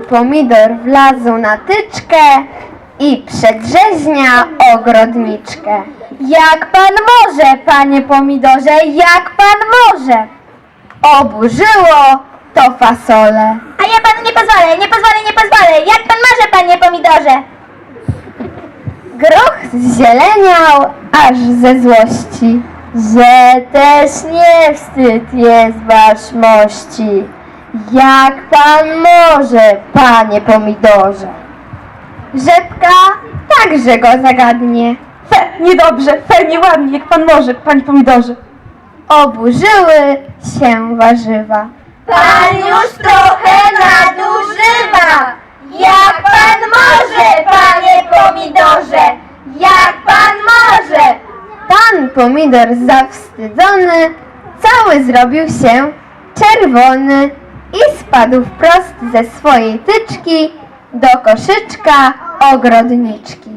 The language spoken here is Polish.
pomidor wlazł na tyczkę i przedrzeźnia ogrodniczkę. Jak pan może, panie pomidorze, jak pan może? Oburzyło to fasole. A ja panu nie pozwolę, nie pozwolę, nie pozwolę. Jak pan może, panie pomidorze? Groch zzieleniał aż ze złości, że też nie wstyd jest wasz mości. Jak pan może, panie pomidorze? Rzepka także go zagadnie. Niedobrze, nieładnie, jak pan może, panie pomidorze. Oburzyły się warzywa. Pan już trochę nadużywa. Jak pan może, panie pomidorze? Jak pan może? Pan pomidor zawstydzony cały zrobił się czerwony i spadł wprost ze swojej tyczki do koszyczka ogrodniczki.